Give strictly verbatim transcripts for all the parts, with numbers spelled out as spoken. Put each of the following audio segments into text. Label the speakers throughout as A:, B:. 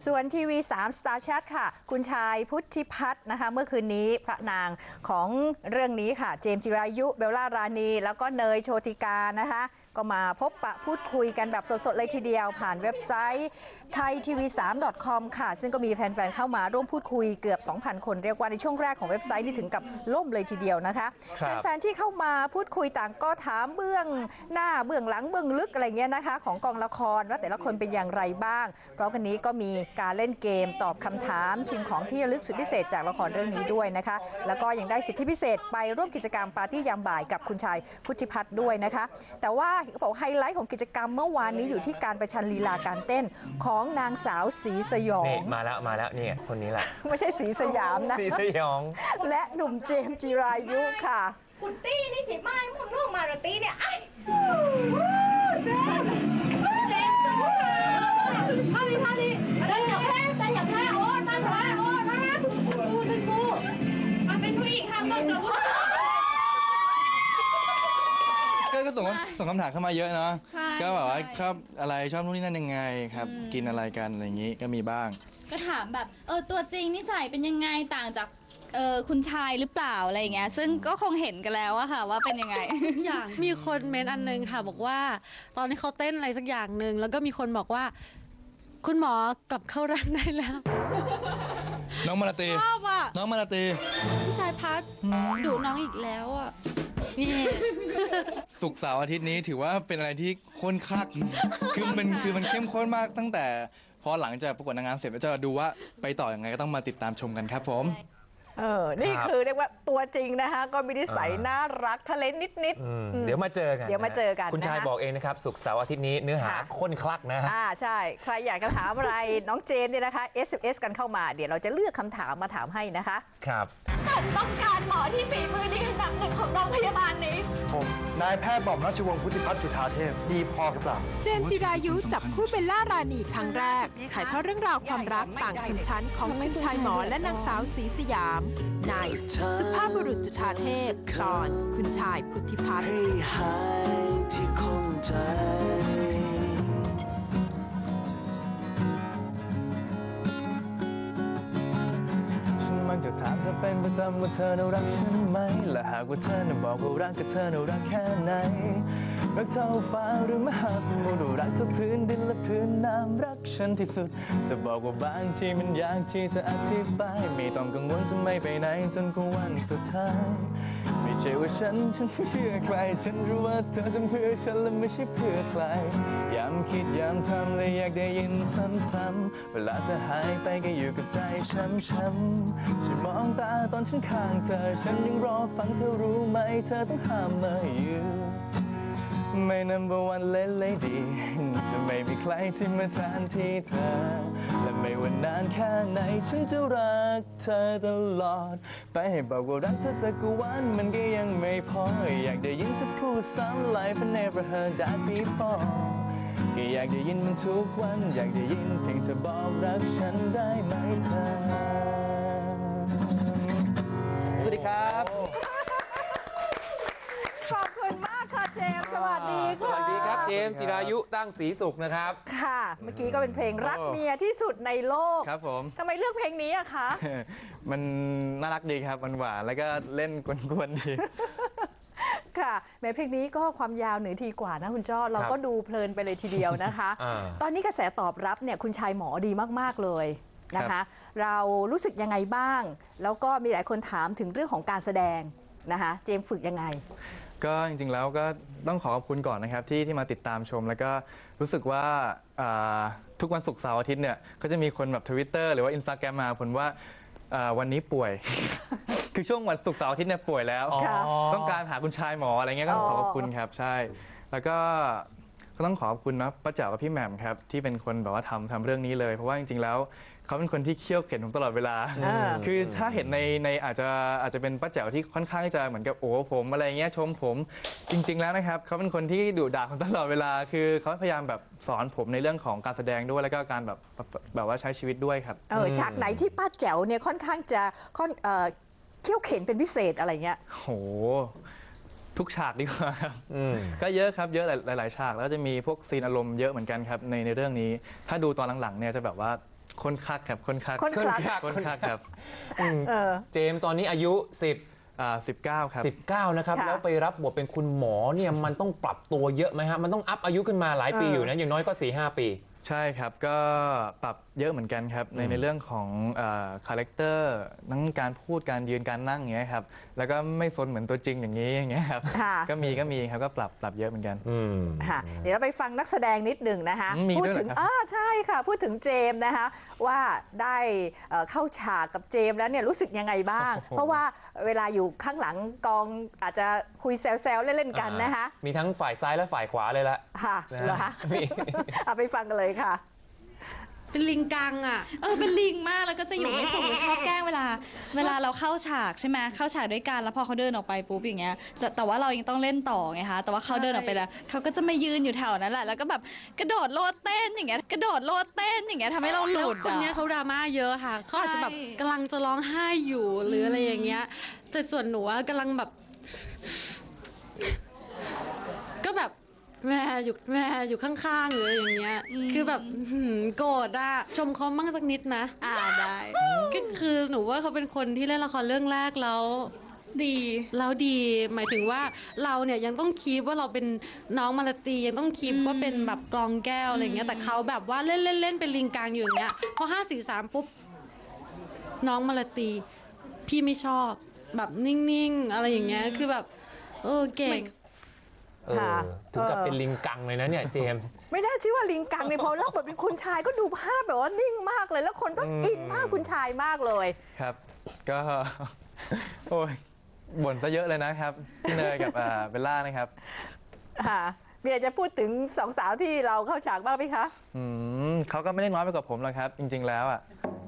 A: ส่วนทีวีสาม Star Chat ค่ะคุณชายพุทธิพัฒน์นะคะเมื่อคืนนี้พระนางของเรื่องนี้ค่ะเจมส์จิรายุเบลล่ารานีแล้วก็เนยโชติกานะคะก็มาพบปะพูดคุยกันแบบสดๆเลยทีเดียวผ่านเว็บไซต์ไทยทีวีสาม ดอท คอม ค่ะซึ่งก็มีแฟนๆเข้ามาร่วมพูดคุยเกือบ สองพัน คนเรียกว่าในช่วงแรกของเว็บไซต์นี่ถึงกับล่มเลยทีเดียวนะคะแฟนๆที่เข้ามาพูดคุยต่างก็ถามเบื้องหน้าเบื้องหลังเบื้องลึกอะไรเงี้ยนะคะของกองละครว่าแต่ละคนเป็นอย่างไรบ้างพร้อมกันนี้ก็มีการเล่นเกมตอบคำถามชิงของที่ระลึกสุดพิเศษจากละครเรื่องนี้ด้วยนะคะแล้วก็ยังได้สิทธิพิเศษไปร่วมกิจกรรมปาร์ตี้ยามบ่ายกับคุณชายพุทธิพัฒน์ด้วยนะคะแต่ว่าเขาบอกไฮไลท์ของกิจกรรมเมื่อวานนี้อยู่ที่การประชันลีลาการเต้นของนางสาวศรีสยอง
B: มาแล้วมาแล้วนี่คนนี้แหละ
A: ไม่ใช่ศรีสยามนะ
B: ศรีสยอง
A: และหนุ่มเจมส์จิรายุค่ะ
C: คุณตี้นี่สิไม่มุนลูกมาราตี้เนี่ยไอ้เต้นเต้นสู้ท่านี้ท่านี้เต้นอย่างแท้เต้นอย่างแท้โอ้ตามแท้โอ้นะคุณครูคุณครูมาเป็นผู้หญิงค่ะต้องจะพูด
D: ก็ส่งส่งคำถามเข้ามาเยอะเนาะก็แบบว่าชอบอะไรชอบนู่นนี่นั่นยังไงครับกินอะไรกันอะไรอย่างนี้ก็มีบ้าง
E: ก็ถามแบบเออตัวจริงนิสัยเป็นยังไงต่างจากเออคุณชายหรือเปล่าอะไรอย่างเงี้ยซึ่งก็คงเห็นกันแล้วอะค่ะว่าเป็นยังไง
F: อย่างมีคนเมนต์อันนึงค่ะบอกว่าตอนที่เขาเต้นอะไรสักอย่างหนึ่งแล้วก็มีคนบอกว่าคุณหมอกลับเข้าร่างได้แล้ว
D: น้องมาลาตี
F: ชอบอะ
D: น้องมาลาตี
F: พี่ชายพัดดุน้องอีกแล้วอะนี่
D: ศุกร์เสาร์อาทิตย์นี้ถือว่าเป็นอะไรที่ข้นคักคือมันคือมันเข้มข้นมากตั้งแต่พอหลังจากประกวดนางงามเสร็จแล้วจะดูว่าไปต่อยังไงก็ต้องมาติดตามชมกันครับผม
A: เออนี่คือเรียกว่าตัวจริงนะคะก็มีนิสัยน่ารักทะเลนนิด
B: ๆเดี๋ยวมาเจอกัน
A: เดี๋ยวมาเจอกัน
B: คุณชายบอกเองนะครับศุกร์เสาร์อาทิตย์นี้เนื้อหาข้นคลักนะ
A: อ่าใช่ใครอยากจะถามอะไรน้องเจมส์เนี่ยนะคะ เอส เอ็ม เอส กันเข้ามาเดี๋ยวเราจะเลือกคำถามมาถามให้นะคะ
B: ครับ
C: ผมต้องการหมอที่ฝีมือดีอันดับหนึ่งของโรงพยาบาลนี้
G: ผมนายแพทย์บอมราชวงศ์พุทธิพัฒน์จุฑาเทพดีพอหรือเปล่า
H: เจมส์จิรายุจับคู่เบลล่ารานีครั้งแรกถ่ายทอดเรื่องราวความรักต่างชนชั้นของคุณชายหมอและนางสาวศรีสยามในสุภาพบุรุษจุฑาเทพตอนคุณชายพุทธิพัฒน์
I: ให้หายที่คงใจ
J: มักจะถามเธอเป็นประจำว่าเธอน่ารักฉันไหมและหากว่าเธอน่ะบอกว่ารักกับเธอน่ารักแค่ไหนรักเท่าฟ้าหรือมหาสมุทรรักเท่าพื้นดินและพื้นน้ำรักฉันที่สุดจะบอกว่าบางทีมันยากที่จะอธิบายไม่ต้องกังวลจะไม่ไปไหนจนกว่าวันสุดท้ายไม่ใช่ว่าฉันฉันไม่เชื่อใครฉันรู้ว่าเธอทำเพื่อฉันและไม่ใช่เพื่อใครย้ำคิดย้ำทำเลยอยากได้ยินซ้ำๆเวลาเธอหายไปก็อยู่กับใจช้ำๆฉันมองตาตอนฉันข้างเธอฉันยังรอฟังเธอรู้ไหมเธอต้องห้ามมาอยู่ไม่ number one lady จะไม่มีใครที่มาแทนที่เธอและไม่ว่านานแค่ไหนฉันจะรักเธอตลอดไปให้บอกว่ารักเธอจากกุวันมันก็ยังไม่พออยากได้ยินเธอพูดซ้ำ Life I never heard that before ก็อยากได้ยินมันทุกวันอยากได้ยินเพียงเธอบอกรักฉันได้ไหมเธอสวัสดีครับ
A: ขอบคุณมากค่ะเจมส์สวัสดีค่ะ
B: สวัสดีครับเจมส์จิรายุตั้งศรีสุขนะครับ
A: ค่ะเมื่อกี้ก็เป็นเพลงรักเมียที่สุดในโลก
D: ครับผม
A: ทำไมเลือกเพลงนี้อะคะ
D: มันน่ารักดีครับมันหวานแล้วก็เล่นกวนๆดี
A: ค่ะแม้เพลงนี้ก็ความยาวหนึ่งทีกว่านะคุณจ้อเราก็ดูเพลินไปเลยทีเดียวนะคะตอนนี้กระแสตอบรับเนี่ยคุณชายหมอดีมากๆเลยนะคะเรารู้สึกยังไงบ้างแล้วก็มีหลายคนถามถึงเรื่องของการแสดงนะคะเจมส์ฝึกยังไง
D: ก็จริงๆแล้วก็ต้องขอขอบคุณก่อนนะครับที่ที่มาติดตามชมแล้วก็รู้สึกว่าทุกวันศุกร์เสาร์อาทิตย์เนี่ยก็จะมีคนแบบ Twitter หรือว่า Instagram มาผลว่าวันนี้ป่วย คือช่วงวันศุกร์เสาร์อาทิตย์เนี่ยป่วยแล้วต้องการหาคุณชายหมออะไรเงี้ยก็ขอขอบคุณครับใช่แล้วก็ก็ต้องขอขอบคุณนะป้าแจ๋วกับพี่แหม่มครับที่เป็นคนแบบว่าทำทำเรื่องนี้เลยเพราะว่าจริงๆแล้วเขาเป็นคนที่เคี่ยวเข็นผมตลอดเวลาคือถ้าเห็นในในอาจจะอาจจะเป็นป้าแจ๋วที่ค่อนข้างจะเหมือนกับโอ้ผมอะไรเงี้ยชมผมจริงๆแล้วนะครับเขาเป็นคนที่ดุด่าผมตลอดเวลาคือเขาพยายามแบบสอนผมในเรื่องของการแสดงด้วยแล้วก็การแบบแบบว่าใช้ชีวิตด้วยครับ
A: เออฉากไหนที่ป้าแจ๋วเนี่ยค่อนข้างจะค่อนเอ่อเคี่ยวเข็นเป็นพิเศษอะไรเงี้ย
D: โหทุกฉากดีกว่าครับก็เยอะครับเยอะหลายๆฉากแล้วจะมีพวกซีนอารมณ์เยอะเหมือนกันครับในในเรื่องนี้ถ้าดูตอนหลังๆเนี่ยจะแบบว่าคนคักครับคนคัก
A: คนคัก
D: คนคักครับ
A: เออ
B: เจมส์ตอนนี้อายุสิบ
D: อ่าสิบเก้าครับ
B: สิบเก้านะครับ
A: ค่ะ
B: แล้วไปรับบทเป็นคุณหมอเนี่ยมันต้องปรับตัวเยอะไหมฮะมันต้องอัพอายุขึ้นมาหลายปี
A: เออ
B: อ
A: อ
B: ยู่นะอย่างน้อยก็ สี่ห้า ปี
D: ใช่ครับก็ปรับเยอะเหมือนกันครับใน
B: อืม
D: ในเรื่องของคาแรคเตอร์ทั้งการพูดการยืนการนั่งอย่างเงี้ยครับแล้วก็ไม่ซนเหมือนตัวจริงอย่างนี้อย่างเงี้ยครับ
A: ค่ะ
D: ก็มีก็มีครับก็ปรับปรับเยอะเหมือนกัน
B: อืม
A: ค่ะเดี๋ยวเราไปฟังนักแสดงนิดหนึ่งนะคะ
D: อืมมี
A: พูด
D: ด้วยเหรอ
A: ถึง
D: ครับ
A: อ่าใช่ค่ะ พูดถึงเจมส์นะคะว่าได้เอ่อเข้าฉากกับเจมส์แล้วเนี่ยรู้สึกยังไงบ้าง เพราะว่าเวลาอยู่ข้างหลังกองอาจจะคุยแซวๆเล่นๆกันนะคะ
B: มีทั้งฝ่ายซ้ายและฝ่ายขวาเลยละ
A: ค่ะ
B: นะ
A: เหรอคะ
B: มี
A: เอาไปฟังกันเลยค่ะ
F: เป็นลิงกังอ่ะ
E: เออเป็นลิงมากแล้วก็จะอยู่ไม่สุขหรือชอบแกล้งเวลา เวลาเราเข้าฉากใช่ไหมเข้าฉากด้วยกันแล้วพอเขาเดินออกไปปุ๊บอย่างเงี้ยแต่แต่ว่าเรายังต้องเล่นต่อไงคะแต่ว่าเขาเดินออกไปแล้วเขาก็จะมายืนอยู่แถวนั้นแหละแล้วก็แบบกระโดดโลดเต้นอย่างเงี้ยกระโดดโลดเต้นอย่างเงี้ยทำให้เราห
F: แล้
E: ลุ
F: ว
E: ด
F: คนเนี้ย
E: อะ
F: เขาดราม่าเยอะค่ะเขาอาจจะแบบ
E: ใช่
F: กำลังจะร้องไห้อยู่หรืออะไรอย่างเงี้ยแต่ส่วนหนูอะกำลังแบบ ก็แบบแม่อยู่แม่อยู่ข้างๆหรืออย่างเงี้ยคือแบบหืมโกรธอะชมเขาบ้างสักนิดนะ
E: อ่าได้
F: ก็คือหนูว่าเขาเป็นคนที่เล่นละครเรื่องแรกแล้ว
E: ดี
F: แล้วดีหมายถึงว่าเราเนี่ยยังต้องคีปว่าเราเป็นน้องมาลาตียังต้องคีปว่าเป็นแบบกลองแก้วอะไรอย่างเงี้ยแต่เขาแบบว่าเล่นเล่นเล่นเป็นลิงกังอยู่อย่างเงี้ยพอห้าสี่สามปุ๊บน้องมาลาตีพี่ไม่ชอบแบบนิ่งๆอะไรอย่างเงี้ยคือแบบเออเก่ง
B: เออ
A: ค่ะ
B: ถึงกับ
A: เออ
B: เป็นลิงกังเลยนะเนี่ยเจมส์
A: ไม่น่าชื่อว่าลิงกังในยพอรับบทเป็นคุณชายก็ดูภาพแบบว่านิ่งมากเลย แล้วคนก็
B: อืม
A: อินภาพคุณชายมากเลย
D: ครับก็ โอ้ยบ่นซะเยอะเลยนะครับพี่เนยกับอ่าเบลล่านะครับ
A: ค่ะมีอะไรจะพูดถึงสองสาวที่เราเข้าฉากบ้างไหมคะ
D: อืมเขาก็ไม่ได้น้อยไปกว่าผมหรอกครับ จริง ๆ แล้วอ่ะ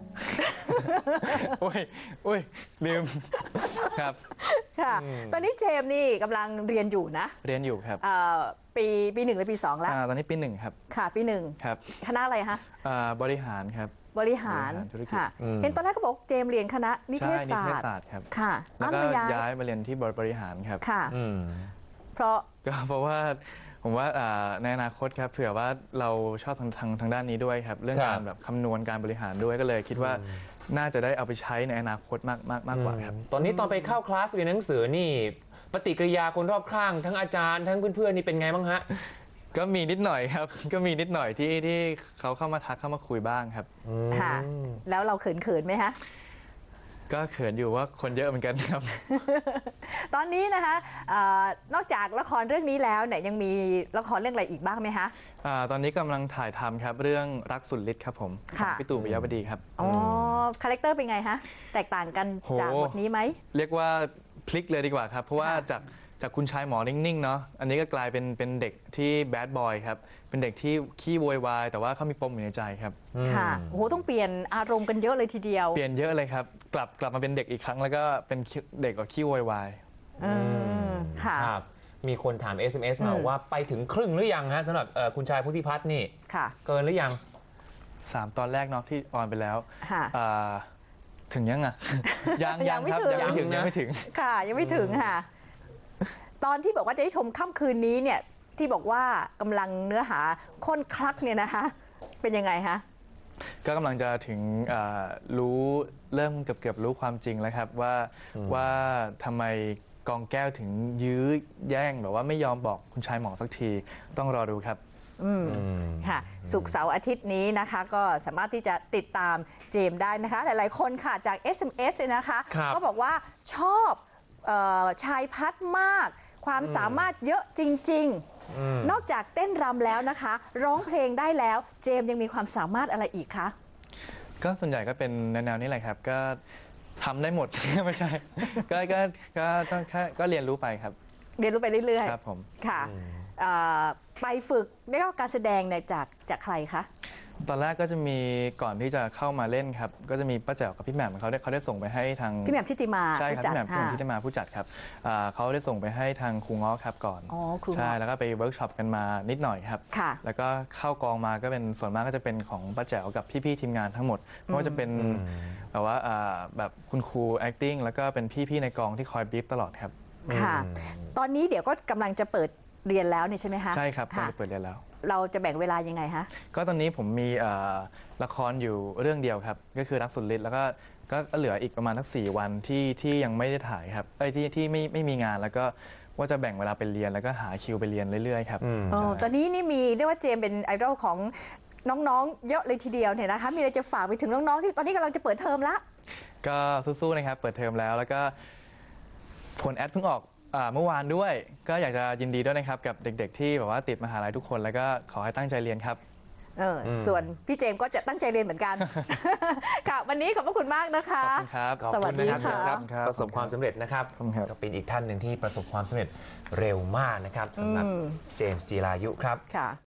D: โอ้ยโอ้ยลืมครับ
A: ค่ะ ตอนนี้เจมส์นี่กำลังเรียนอยู่นะ
D: เรียนอยู่ครับ
A: เอ่อปีปีหนึ่งหรือปีสองแล้ว
D: อ่าตอนนี้ปีหนึ่งครับ
A: ค่ะปีหนึ่ง
D: ครับ
A: คณะอะไรคะ
D: อ่าบริหารครับ
A: บริหาร
D: บริหารธุรกิจ
A: ค่ะ
B: อืม
A: เห็นตอนแรกก็บอกเจมส์เรียนคณะนิเท
D: ใช่
A: ศ
D: นิ
A: ศา
D: เทศ
A: สตร์
D: ศาสตร์ครับ
A: ค่ะ
D: แล้วก็
A: อ้าวย้าย
D: ย้ายมาเรียนที่บริหารครับ
A: ค่ะ
B: อืม
A: เพราะ
D: ก็เพราะว่าผมว่าอ่าในอนาคตครับเผื่อว่าเราชอบทางทางทางด้านนี้ด้วยครับ เรื่อง
B: ครับ
D: การแบบคำนวณการบริหารด้วยก็เลยคิดว่าน่าจะได้เอาไปใช้ในอนาคตมากมากมากกว่าครับ
B: ตอนนี้ตอนไปเข้าคลาสเรียนหนังสือนี่ปฏิกิริยาคนรอบข้างทั้งอาจารย์ทั้งเพื่อนๆนี่เป็นไงบ้างฮะ
D: ก็มีนิดหน่อยครับ ก็มีนิดหน่อยที่ที่เขาเข้ามาทักเข้ามาคุยบ้างครับ
A: ค่ะ แล้วเราเขินเขินๆไหมคะ
D: ก็เขินอยู่ว่าคนเยอะเหมือนกันครับ
A: ตอนนี้นะคะเอ่อนอกจากละครเรื่องนี้แล้วเนี่ยยังมีละครเรื่องอะไรอีกบ้างไหมคะ
D: อ่าตอนนี้กำลังถ่ายทำครับเรื่องรักสุดฤทธิ์ครับผมข
A: ค่ะ
D: องพี่ตู่ปิยะบดีครับ
A: อ๋อคาแรคเตอร์เป็นไงคะแตกต่างกัน
D: โห
A: จากบทนี้ไหม
D: เรียกว่าพลิกเลยดีกว่าครับ เพราะว่า
A: ค่ะ
D: จากจากคุณชายหมอนิ่งๆเนาะอันนี้ก็กลายเป็นเป็นเด็กที่แบดบอยครับเป็นเด็กที่ขี้โวยวายแต่ว่าเขามีปมอยู่ในใจครับ
A: ค่ะโอ้โหต้องเปลี่ยนอารมณ์กันเยอะเลยทีเดียว
D: เปลี่ยนเยอะเลยครับ กลับกลับมาเป็นเด็กอีกครั้งแล้วก็เป็นเด็กกับขี้โวยวาย
A: อืมค่ะ
B: ครับ มีคนถาม เอส เอ็ม เอส มา
A: อืม
B: ว่าไปถึงครึ่งหรือยังฮะสำหรับเอ่อคุณชายพุทธิพัฒน์นี่
A: ค่ะ
B: เกินหรือยัง
D: สามตอนแรกเนาะที่ออนไปแล้ว
A: ค่ะ
D: อ่าถึงยังอ่ะ ยัง
A: ยั
D: ยัง ง
A: ไม่
D: ครับ
A: ถึง
D: ยังไม่ถึง
B: ยังนะ
D: ยังไม่ถึง
A: ค่ะยังไม่ถึงค่ะ ตอนที่บอกว่าจะได้ชมค่ำคืนนี้เนี่ยที่บอกว่ากำลังเนื้อหาข้นคลักเนี่ยนะคะ เป็นยังไงคะ
D: ก็กำลังจะถึงอ่ารู้เริ่มเกือบเกือบรู้ความจริงแล้วครับว่าว่าทำไมกองแก้วถึงยื้อแย่งแบบว่าไม่ยอมบอกคุณชายหมอสักทีต้องรอดูครับ
A: อืมค่ะศุกร์เสาร์อาทิตย์นี้นะคะ ก็สามารถที่จะติดตามเจมส์ได้นะคะ หลายๆคนค่ะจาก เอส เอ็ม เอส เนี่ยนะคะ
B: ครับ
A: ก็บอกว่าชอบเออชายพัฒน์มาก ความสามารถเยอะจริง ๆ นอกจากเต้นรำแล้วนะคะ ร้องเพลงได้แล้วเจมส์ยังมีความสามารถอะไรอีกคะ
D: ก็ส่วนใหญ่ก็เป็นแนวๆนี้แหละครับ ก็ทำได้หมด ไม่ใช่ ก็ก็ก็ต้องแค่ก็เรียนรู้ไปครับ
A: เรียนรู้ไปเรื่อย
D: ครับผม
A: ๆค่ะเอ่อไปฝึกได้รับการแสดงเนี่ยจากจากใครคะ
D: ตอนแรกก็จะมีก่อนที่จะเข้ามาเล่นครับ ก็จะมีป้าแจ๋วกับพี่แหม่มเขาได้เขาได้ส่งไปให้ทาง
A: พี่แหม่มทิติมา
D: ใช่ครับ
A: ผู้จัด
D: พี่แหม่มพี่แหม่ม
A: ค่ะ
D: ที่ได้มาผู้จัดครับอ่าเขาได้ส่งไปให้ทางครูง้อครับก่อน
A: อ๋อครูง้อ
D: ใช่แล้วก็ไปเวิร์กช็อปกันมานิดหน่อยครับ
A: ค่ะ
D: แล้วก็เข้ากองมาก็เป็นส่วนมากก็จะเป็นของป้าแจ๋วกับพี่ๆทีมงานทั้งหมดไม่ว่าจะเป็นแบบว่าอ่าแบบคุณครู acting แล้วก็เป็นพี่ๆในกองที่คอยบีฟตลอดครับ
A: ค่ะ ตอนนี้เดี๋ยวก็กำลังจะเปิดเรียนแล้วเนี่ยใช่ไหมคะ
D: ใช่ครับกำลัง
A: ค่ะ
D: จะเปิดเรียนแล้ว
A: เราจะแบ่งเวลายังไงฮะ
D: ก็ตอนนี้ผมมีเอ่อละครอยู่เรื่องเดียวครับก็คือรักสุดฤทธิ์แล้วก็ก็เหลืออีกประมาณทั้งสี่วันที่ที่ยังไม่ได้ถ่ายครับเอ้ยที่ที่ไม่ไม่มีงานแล้วก็ว่าจะแบ่งเวลาไปเรียนแล้วก็หาคิวไปเรียนเรื่อยๆครับ
A: อ๋อตอนนี้นี่มีเรียกว่าเจมส์เป็นไอดอลของน้องๆเยอะเลยทีเดียวเนี่ยนะคะมีอะไรจะฝากไปถึงน้องๆที่ตอนนี้กำลังจะเปิดเทอมละ
D: ก็สู้ๆนะครับเปิดเทอมแล้วแล้วก็ผลแอดเพิ่งออกอ่าเมื่อวานด้วยก็อยากจะยินดีด้วยนะครับกับเด็กๆที่แบบว่าติดมหาลัยทุกคนแล้วก็ขอให้ตั้งใจเรียนครับ
A: เออส่วนพี่เจมส์ก็จะตั้งใจเรียนเหมือนกัน ค่ะวันนี้ขอบพระคุณมากนะคะ
D: ขอบคุณครับ
A: สวัสดีค่ะ
B: ประสบความสำเร็จนะครับก็เป็นอีกท่านหนึ่งที่ประสบความสำเร็จเร็วมากนะครับสำหรับเจมส์จิรายุครับ